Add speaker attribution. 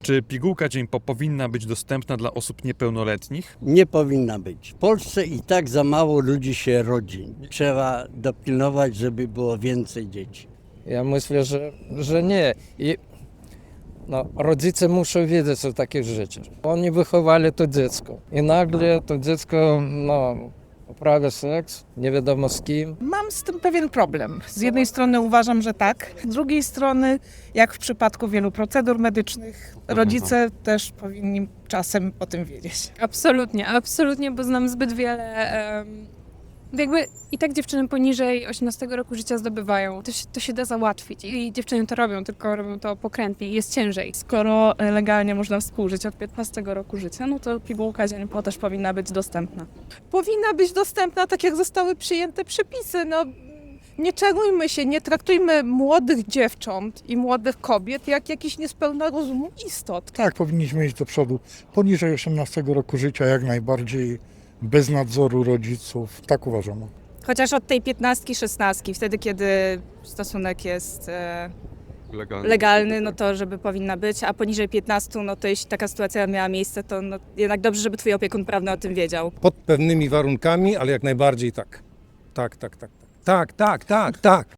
Speaker 1: Czy pigułka dzień powinna być dostępna dla osób niepełnoletnich?
Speaker 2: Nie powinna być. W Polsce i tak za mało ludzi się rodzi. Trzeba dopilnować, żeby było więcej dzieci.
Speaker 3: Ja myślę, że nie. I rodzice muszą wiedzieć o takich rzeczach. Oni wychowali to dziecko i nagle to dziecko uprawia seks, nie wiadomo z kim.
Speaker 4: Mam z tym pewien problem. Z jednej strony uważam, że tak, z drugiej strony, jak w przypadku wielu procedur medycznych, rodzice też powinni czasem o tym wiedzieć.
Speaker 5: Absolutnie, bo znam zbyt wiele. Jakby i tak dziewczyny poniżej 18 roku życia zdobywają. To się da załatwić i dziewczyny to robią, tylko robią to pokrętnie i jest ciężej.
Speaker 6: Skoro legalnie można współżyć od 15 roku życia, no to pigułka dzień-po też powinna być dostępna.
Speaker 4: Powinna być dostępna tak, jak zostały przyjęte przepisy. Nie czarujmy się, nie traktujmy młodych dziewcząt i młodych kobiet jak jakichś niespełna rozumu istot.
Speaker 7: Tak, powinniśmy iść do przodu. Poniżej 18 roku życia jak najbardziej, bez nadzoru rodziców. Tak uważam.
Speaker 8: Chociaż od tej 15-16, wtedy kiedy stosunek jest legalny, no to żeby powinna być, a poniżej 15, no to jeśli taka sytuacja miała miejsce, to jednak dobrze, żeby twój opiekun prawny o tym wiedział.
Speaker 9: Pod pewnymi warunkami, ale jak najbardziej tak. Tak.